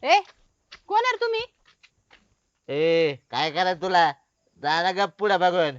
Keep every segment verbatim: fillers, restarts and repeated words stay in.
ए कोण आहे तुम्ही? ए काय करायचं तुला? जाना गप पुढे बघून.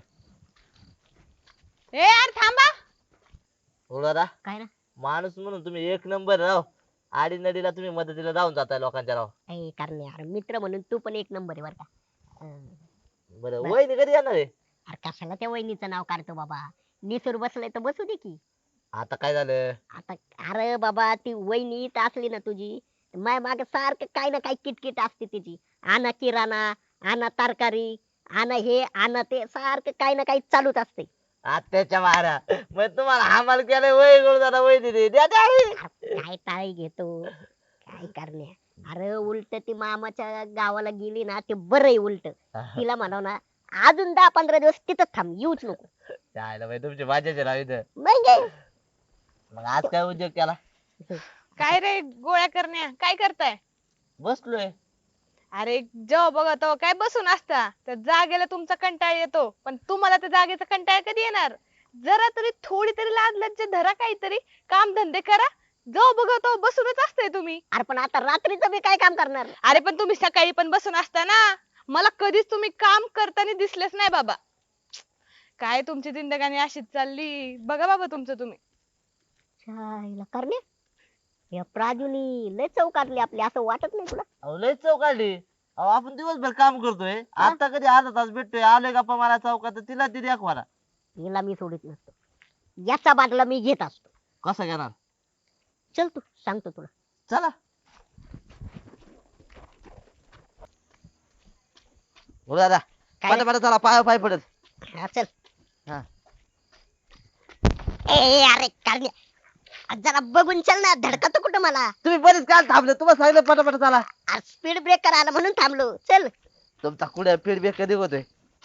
ए यार थांबा. थोडा काय ना माणूस म्हणून तुम्ही एक नंबर राव. आडी नडीला तुम्ही मदतीला जाऊन जाताय लोकांच्या राव. ए कारण यार मित्र म्हणून तू पण एक नंबर आहे बर का. अं, बरं बर. वहिनी कधी येणार आहे? अरे कशाला त्या वहिनीचं नाव काढतो बाबा. निसूर बसलंय तर बसू दे की. आता काय झालं? आता अरे बाबा ती वहिनी इथं असली ना तुझी माय मागे सारखं काही ना काही किटकिट असते तिची. आणा किराणा, आणा तरकारी, आणा हे आणा ते, सारखं काही ना काही चालूच असते. आत्याच्या मारा मग तुम्हाला हमाल केलंय वय गोळ दादा वहिनी दे द्या द्या. अरे काय टाळी घेतो काय करण्या. अरे उलट ती मामाच्या गावाला गेली ना ते बरं आहे उलट. तिला म्हणाव ना अजून दहा पंधरा दिवस तिथंच थांब येऊच नको. जायला बाई तुमची मजाच राव इथं. म्हणजे मग आज काय उद्योग केला? काय रे गोळ्या करण्या काय करताय? बसलोय. अरे जेव्हा बघा तेव्हा काय बसून असता. त्या जागेला तुमचा कंटाळा येतो पण तुम्हाला त्या जागेचा कंटाळा कधी येणार? जरा तरी थोडी तरी लाज लज्जा धरा, काहीतरी काम धंदे करा. जेव्हा बघा तेव्हा बसूनच असताय तुम्ही. अरे पण आता रात्रीचं मी काय काम करणार. अरे पण तुम्ही सकाळी पण बसून असता ना. मला कधीच तुम्ही काम करताना दिसलेच नाही बाबा. काय तुमची जिंदगानी अशीच चालली बघा बाबा तुमचं तुम्ही. छायला करणे या प्राजूनी लय चौकातली आपली असं वाटत नाही तुला? अहो लय चौक काढली. अहो आपण दिवसभर काम करतोय. आता कधी अर्धा तास भेटतोय आलोय गप्पा मारा चौकात तर तिला ती दाखवा. हिला मी सोडित नसतो. याचा बाटला मी घेत असतो. कसा घेणार? चल तू सांगतो तुला. चला बोल दादा. काय पटा पटा चला पाय पाय पडत. हा, चल. हा. ए अरे करणे जरा बघून चल ना. धडकतो कुठं मला. तुम्ही बरेच काल थांबले. तुम्हाला सांगितलं पटा पटा चला. स्पीड ब्रेकर आला म्हणून थांबलो. चल. तुमचा कुठे फीडबॅक कधी होतोय?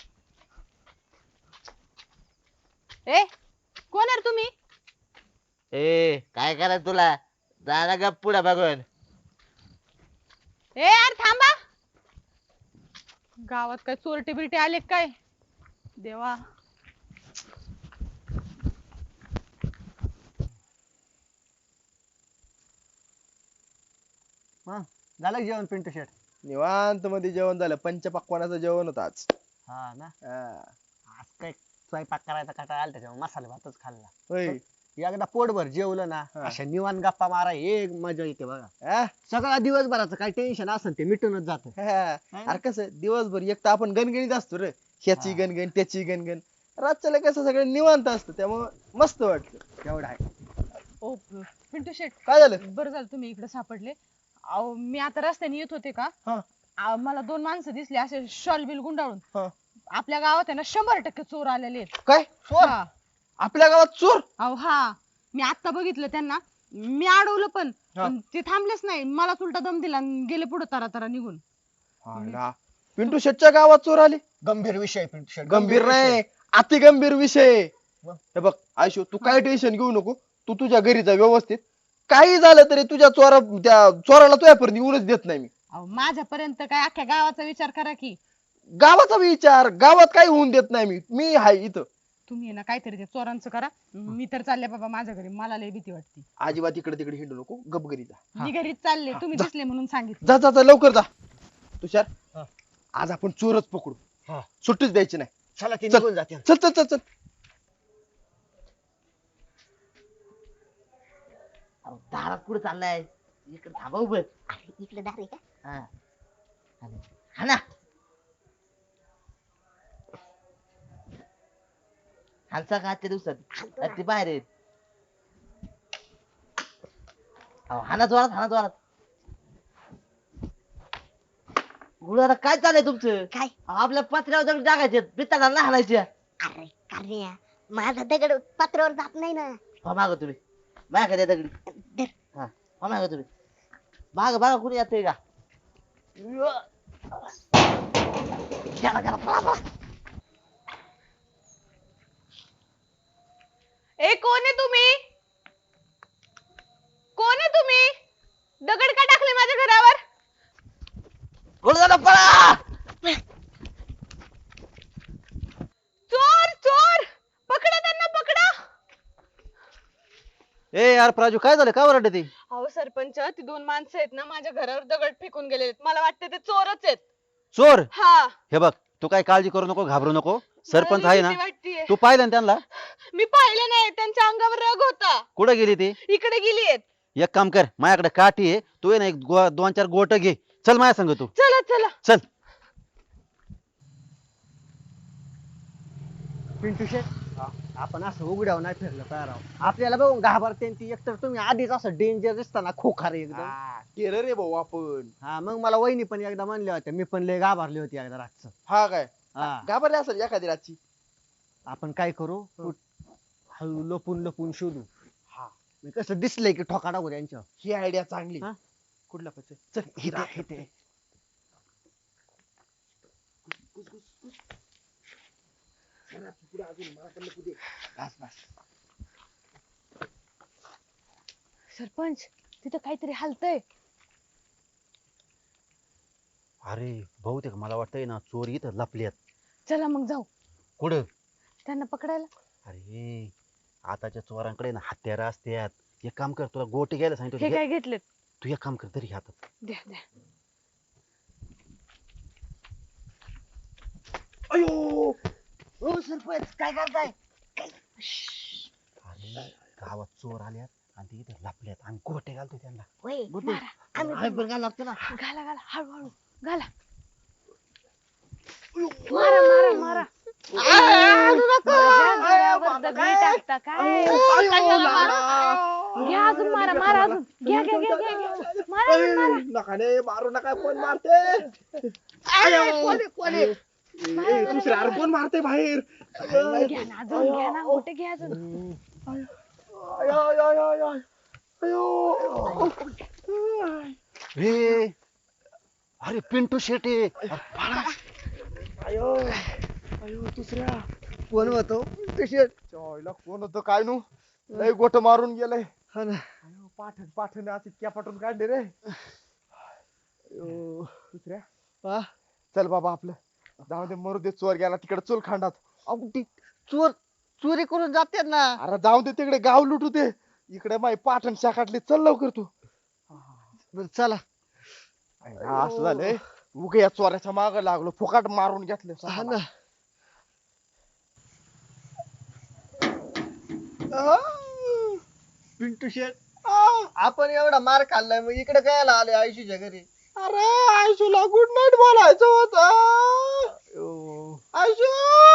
ए कोण आहे तुम्ही? ए काय करायचं तुला? जाना गप पुढे बघून. ए यार थांबा. गावात काय चोरटे बिरटे आले काय देवा. झालं का जेवण पिंटू शेट? निवांत मध्ये जेवण झालं. पंचपक्वानाचं जेवण होतं आज. हा ना. हा. आज काय स्वयंपाक करायचा कंटाळा आला त्याच्यामुळे मसाले भातच खाल्ला. होय. एकदा पोटभर जेवलं ना हा. अशा निवांत गप्पा मारा एक मजा येते बघा. हा? सगळा दिवसभराचं काय टेन्शन असेल ते मिटूनच जात. हा. अरे कसं दिवसभर एक तर आपण गणगणीत असतो रे. ह्याची हा. गणगण त्याची गणगण. रातच्याला कसं सगळं निवांत असतं त्यामुळं मस्त वाटतं. एवढा आहे. ओ पिंटू शेट काय झालं? बरं झालं तुम्ही इकडे सापडले. अहो मी आता रस्त्याने येत होते का हा. अहो, मला दोन माणसं दिसली असे शॉल बिल गुंडाळून. हा. आपल्या गावात आहे ना शंभर टक्के चोर आलेले आहेत. काय चोर? हा. आपल्या गावात चोर? अहो हा मी आता बघितलं त्यांना. मी अडवलं पण हा. पण ते थांबलेच नाही. मला उलटा दम दिला आणि गेले पुढे तरा तरा निघून. हायला. पिंटू शेटच्या गावात चोर आले? गंभीर विषय आहे पिंटू शेट. गंभीर विषय. नाही अति गंभीर विषय. मग? हे बघ आयशो तू काय टेन्शन घेऊ नको. तू तुझ्या घरी जा व्यवस्थित. काही झालं तरी तुझ्या चोरा त्या चोराला तुझ्यापर्यंत येऊनच देत नाही मी. अहो माझ्यापर्यंत काय अख्ख्या गावाचा विचार करा की. गावाचा विचार गावात काही होऊन देत नाही मी. मी हाय इथं. तुम्ही आहे ना काहीतरी ते चोरांचं करा. मी तर चालले बाबा माझ्या घरी. मला लय भीती वाटते. अजिबात इकडे तिकडे हिंडू नको. गप घरी जा. मी घरीच चालले. हा, तुम्ही जा. दिसले म्हणून सांगितलं. जा जा जा लवकर जा. तुषार हा. आज आपण चोरच पकडू. हा. सुट्टीच द्यायची नाही. चला ते चल. निघून जाते. चल चल चल चल. अहो, दारात कुठे चाललाय? इकडे थांबा उभं. अरे इकडे दार आहे का? हा. हा ना. हालचा का आजच्या दिवसात? हाणतो अरे ते बाहेर आहेत. अहो हाना जोरात हाना जोरात. गुरुदादा काय चाललंय तुमचं? काय? अहो, आपल्या पत्र्यावर दगड टाकायचे पित्ताला ना हाणायच्या. अरे करण्या माझा दगड पत्रावर जात नाही ना. हो माग तुम्ही माग द्या दगडी. धर. हा हो माग तुम्ही माग बघा कुणी येतंय का? गेला गेला पळा पळा. ए कोण आहे तुम्ही? कोण आहे तुम्ही? दगड का टाकले माझ्या घरावर? गुरुदादा पळा. चोर चोर पकडा त्यांना पकडा. ए यार प्राजू काय झालं? काय ओरडते ती? अहो सरपंच ती दोन माणसं आहेत ना माझ्या घरावर दगड फेकून गेलेले मला वाटतं ते चोरच आहेत. चोर? हा हे बघ तू काय काळजी करू नको, घाबरू नको. सरपंच मला आहे ना, भीती वाटतेय. तू पाहिलं ना त्यांना? मी पाहिलं नाही त्यांच्या अंगावर रग होता. कुठं गेली ती? इकडे गेली आहेत. एक काम कर, माझ्याकडे काठी आहे, तू आहे ना एक गो- दोन चार गोट घे, चल माझ्या संग तू. चला चला. चल. पिंटू शेट आपण असं उघड्यावर नाही फिरलं तयार आहोत. आपल्याला बघून घाबरते आणि ती एकतर तुम्ही आधीच असं डेंजर दिसताना खोखारे एकदम. केलं रे भाऊ आपण. हा मग मला वहिनी पण एकदा म्हणल्या होत्या, मी पण लय घाबरली होती एकदा रातचं. हा काय हा घाबरले असेल एखादी रातची. आपण काय करू हळू लपून लपून शोधू. हा मी कसं दिसलंय की ठोका टाकू त्यांच्यावर. ही आयडिया चांगली. हा? कुठला पच चल इथे इथे सरपंच तिथं काहीतरी हलतय. अरे बहुतेक मला वाटतंय ना चोर इथं लपल्यात. चला मग जाऊ कुठं? त्यांना पकडायला. अरे आताच्या चोरांकडे ना हत्यारं असतात. एक काम कर, तुला गोटी घ्यायला सांगितलं हे होतं, काय घे. घेतलेत? तू एक काम कर तरी हातात. द्या द्या. अयो हो सरपंच काय करताय? अरे गावात चोर आल्यात आणि ते इथं लपल्यात, आम्ही गोटे घालतो त्यांना. होय गोटे. मारा. आम्ही आम्ही पण घालावं लागतं ना. घाला घाला हळूहळू घाला. मारा मारा मारा. माझ्या घरावर दगडी टाकता काय? घ्या अजून मारा मारा अजून घ्या घ्या घ्या घ्या घ्या. मारा अजून मारा. नका रे मारू नका. कोण मारते? कोणी कोणी ए, दुसऱ्या अरे कोण मारते बाहेर? घ्या ना अजून घ्या ना कुठे घ्या अजून. अयो, अयो, अयो, अयो. अयो. ए अरे पिंटू शेटे. अयो अयो दुसऱ्या कोण होतो तशी? चॉयला कोण होतं काय नू? लय गोट मारून गेलंय. हा ना. अयो, पाठण पाठण आज इतक्या पाठून काढले रे. अयो दुसऱ्या हा? चल बाबा आपलं जाऊ दे, मरू दे. चोर गेला तिकडे चोल खांडात. अहो, ती चोर चोरी करून जातात ना. अरे जाऊ दे तिकडे, गाव लुटू दे. इकडे माई पाठण शाखाटली. चल लवकर तू. बरं, चला. हा, असं झालंय. उगे या चोराच्या माग लागलो, फुकाट मारून घेतलं. हा ना. पिंटू शेट आपण एवढा मार खाल्लाय मग इकडे काय आले आयुष्याच्या घरी? अरे आयशूला गुड नाईट बोलायचं होतं. आयशू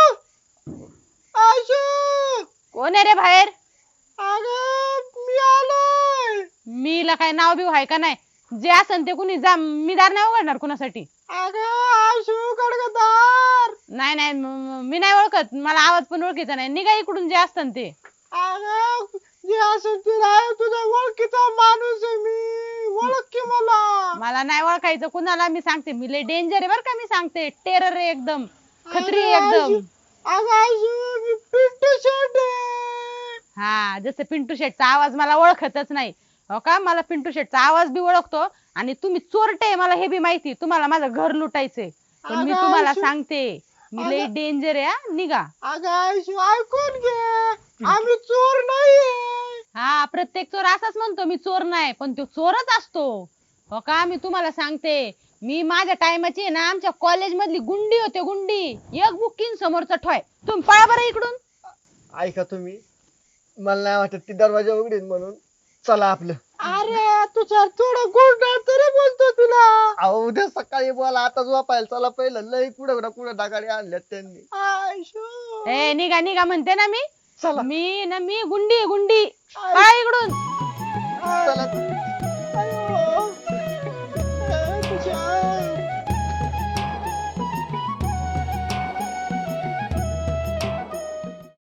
आयशू कोण आहे रे बाहेर? अगं मी आलोय. मीला काय नाव बिव आहे का नाही? जे असन ते कुणी जा, मी दार नाही उघडणार कुणासाठी. अगं आयशू गडगदार. नाही नाही म- म- मी नाही ओळखत, मला आवाज पण ओळखीचा नाही. निघा इकडून जे असतं ते. अगं जे असेल ते राह, तुझ्या ओळखीचा माणूस आहे मी. ओळख की मला. मला नाही ओळखायचं कुणाला. मी सांगते मी लय डेंजर आहे बर का. मी सांगते टेरर आहे एकदम, खत्री आहे एकदम. अगं आयशू मी पिंटू शेट आहे. हा जसं पिंटू शेटचा आवाज मला ओळखतच नाही हो का. मला पिंटू शेटचा आवाज बी ओळखतो आणि तुम्ही चोरटे मला हे बी माहिती. तुम्हाला माझं घर लुटायचंय पण मी अगं तुम्हाला आयशू. सांगते मी लय डेंजर आहे हा. निघा. अगं आयशू ऐकून घे, आम्ही चोर नाहीये. हा प्रत्येक चोर असाच म्हणतो मी चोर नाही, पण तो चोरच असतो हो का. मी तुम्हाला सांगते मी माझ्या टायमाची आहे ना आमच्या कॉलेज मधली गुंडी होते गुंडी. एक बुकिंग समोरचा ठोय. तुम्ही पळा बरं इकडून. ऐका तुम्ही, मला नाही वाटत ती दरवाजा उघडीन म्हणून. चला आपलं. अरे तुझ्या थोडं गुड नाईट तरी बोलतो तुला. अहो उद्या सकाळी बोला, आता झोपायला चला. पहिलं लय कुठं ना कुठं डागाडी आणल्यात त्यांनी. आयशू ए निघा निघा म्हणते ना मी. चला. मी ना मी गुंडी आहे, गुंडी.